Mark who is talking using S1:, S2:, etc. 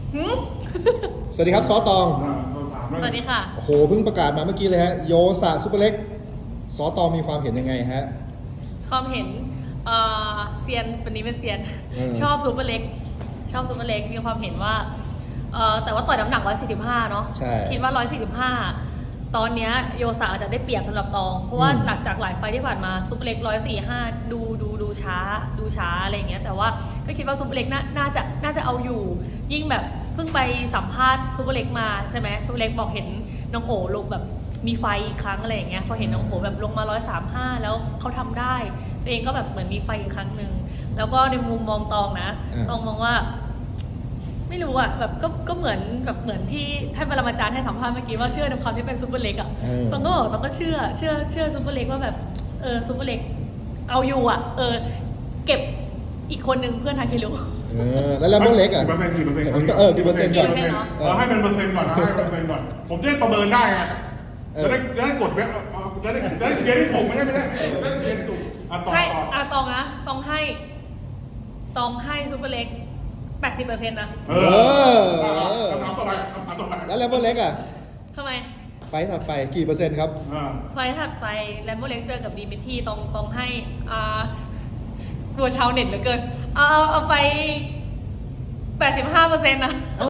S1: สวัสดีครับซอตอง
S2: สวัสดีค่ะ
S1: โอ้โหเพิ่งประกาศมาเมื่อกี้เลยฮะโยสะซุปเปอร์เล็กซอตองมีความเห็นยังไงฮะ
S2: ความเห็นเซียนวันนี้เป็นเซียน ชอบซูเปอร์เล็กมีความเห็นว่าแต่ว่าต่อยน้ำหนัก 145 เนาะ
S1: ใช่
S2: คิดว่า 145 ตอนเนี้ยโยสาอาจจะได้เปรียบสำหรับตอง เพราะว่าหลังจากหลายไฟล์ที่ผ่านมาซูเปอร์เล็ก 145 ดูช้าอะไรอย่างเงี้ย แต่ว่าก็คิดว่าซูเปอร์เล็กน่าจะเอาอยู่ ยิ่งแบบเพิ่งไปสัมภาษณ์ซูเปอร์เล็กมาใช่ไหมซูเปอร์เล็กบอกเห็นน้องโอลงแบบมีไฟอีกครั้งอะไรอย่างเงี้ยพอเห็นน้องโอแบบลงมา 135 แล้วเขาทำได้ตัวเองก็แบบเหมือนมีไฟอีกครั้งหนึ่งแล้วก็ในมุมมองตองนะตองมองว่าไม่รู้อะแบบก็เหมือนที่ท่านปรมาจารย์ให้สัมภาษณ์เมื่อกี้ว่าเชื่อในความที่เป็นซูเปอร์เล็กอะตองก็เชื่อซูเปอร์เล็กว่าแบบซูเปอร์เล็กเอาอยู่อะเก็บอีกคนนึงเพื่อนทาเคโร่
S1: แล้วแลมโบ้เล็กอ่ะ
S3: กี่เปอร์เซ็นต์
S1: กี่เปอร์เซ็นต์ก่อน
S3: ให้มันเปอร์เซ็นต์ก่อนนะให้เปอร์เซ็นต์ก่อนผมจะได้ประเมินได้ไงจะได้กดเว็บจะได้เชียร์ได้ถูกไม่ใช่จะได้เชียร์ได้ถูก
S2: ให้ตองนะตองให้ซูเปอร์เล็ก 80% นะ
S3: คำต่อไป
S1: แล้วแลมโบ้เล็กอ่ะ
S2: ทำไม
S1: ไฟถัดไปกี่เปอร์เซ็นต์ครับ
S2: ไฟถัดไปแลมโบเล็กเจอกับดีมิทีต้องให้กลัวชาวเน็ตเหลือเกินเอาไป 85% นะ